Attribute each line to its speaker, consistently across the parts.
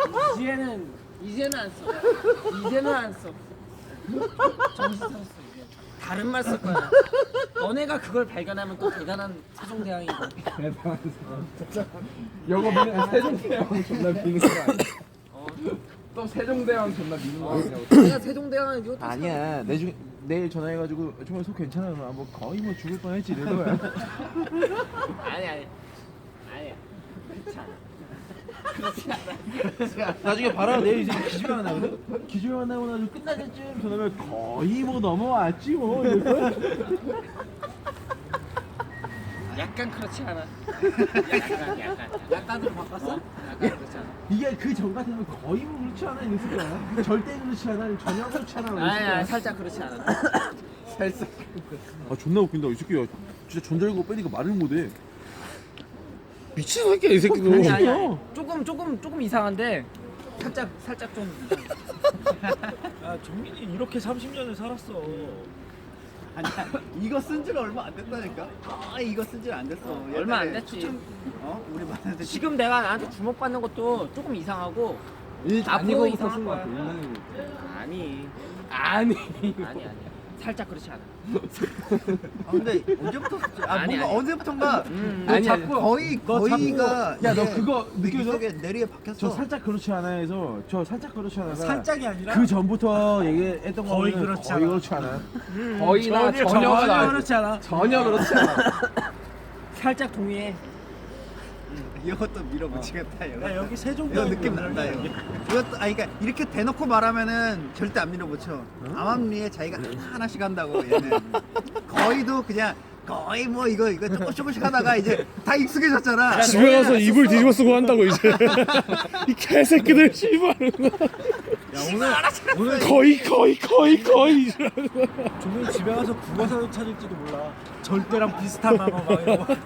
Speaker 1: 이제는 안 써. 이제는 안 써. 정신 차렸어 이제. 다른 말 쓸 거야. 너네가 그걸 발견하면 또 대단한 세종대왕이고.
Speaker 2: 영어 미는 세종대왕 존나 미는 거 아니야? 또 세종대왕 존나 미는 거 아니야?
Speaker 1: 내가 세종대왕은 이것도
Speaker 2: 아니야. 내일 전화해가지고 정말 속 괜찮아? 뭐 거의 뭐 죽을 뻔했지 이런 거야.
Speaker 1: 아니야. 그렇지 않아.
Speaker 2: 나중에 봐라. 내일 이제 기주가 나거든. 기주가 나고 나서 끝날 때쯤 전화면 거의 뭐 넘어왔지 뭐.
Speaker 1: 약간 그렇지 않아. 약간으로 바꿨어? 약간 그렇지 않아.
Speaker 2: 이게 그 전 같으면 거의 뭐 그렇지 않아 이랬을 거야. 절대 그렇지 않아. 아니면 전혀 그렇지 않아. 이랬을 거야.
Speaker 1: 아니 살짝 그렇지 않아.
Speaker 2: 살짝. 아 존나 웃긴다 이 새끼야. 진짜 전자레고 빼니까 말을 못해. 미친 새끼야 이 새끼도.
Speaker 1: 아니. 조금 이상한데 살짝 좀.
Speaker 3: 아 정민이 이렇게 30년을 살았어.
Speaker 4: 아니야 이거 쓴 지가 얼마 안 됐다니까. 이거 쓴 지가 안 됐어.
Speaker 1: 얼마 안
Speaker 4: 옛날에
Speaker 1: 됐지.
Speaker 4: 우리 만났을 때
Speaker 1: 지금 내가 나한테 주목받는 것도 조금 이상하고
Speaker 2: 안
Speaker 1: 앞으로
Speaker 2: 입어부터
Speaker 1: 이상할
Speaker 2: 쓴거
Speaker 1: 거야.
Speaker 2: 같아.
Speaker 1: 아니. 살짝 그렇지 않아.
Speaker 4: 근데 언제부터 썼지?
Speaker 1: 아니,
Speaker 4: 뭔가
Speaker 1: 아니.
Speaker 4: 언제부터인가
Speaker 2: 너
Speaker 4: 아니,
Speaker 2: 자꾸
Speaker 4: 거의가
Speaker 2: 야, 너
Speaker 4: 이게
Speaker 2: 그거
Speaker 4: 내
Speaker 2: 느껴져?
Speaker 4: 속에 내리에 박혔어.
Speaker 2: 저 살짝 그렇지 않아에서 저 살짝 그렇지 않아가
Speaker 3: 살짝이 아니라
Speaker 2: 그 전부터 얘기했던
Speaker 3: 거의
Speaker 2: 거는
Speaker 3: 그렇지
Speaker 2: 거의
Speaker 3: 않아.
Speaker 2: 그렇지 않아.
Speaker 1: 거의나
Speaker 3: 전혀 그렇지 않아.
Speaker 2: 전혀 그렇지 않아.
Speaker 1: 살짝 동의해.
Speaker 4: 이것도 밀어붙이겠다. 이거.
Speaker 3: 야 여기 세종
Speaker 4: 이거 느낌 난다 이거. 이것도 그러니까 이렇게 대놓고 말하면은 절대 안 밀어붙여. 암암리에 자기가 하나씩 한다고 얘는. 거의도 그냥 거의 뭐 이거 조금씩 하다가 이제 다 익숙해졌잖아.
Speaker 5: 집에 가서 이불 뒤집어 쓰고 한다고 이제 이 개새끼들 씨발
Speaker 3: 오늘
Speaker 5: 거의
Speaker 3: 종민 집에 가서 국어사도 찾을지도 몰라. 절대랑 비슷한 단어 막 이런 거.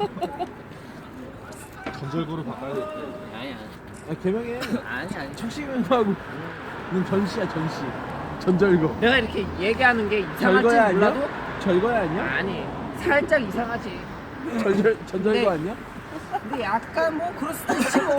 Speaker 2: 전절구로 바꿔야 돼.
Speaker 1: 아니야.
Speaker 2: 개명해.
Speaker 1: 아니.
Speaker 2: 청심하고 전시야 전시. 전절구.
Speaker 1: 내가 이렇게 얘기하는 게 이상할지
Speaker 2: 절거야 아니야?
Speaker 1: 몰라도
Speaker 2: 절거야 아니야?
Speaker 1: 아니. 살짝 이상하지.
Speaker 2: 전절구
Speaker 1: 네.
Speaker 2: 아니야?
Speaker 1: 근데 약간 뭐 그럴 수도 있지 뭐.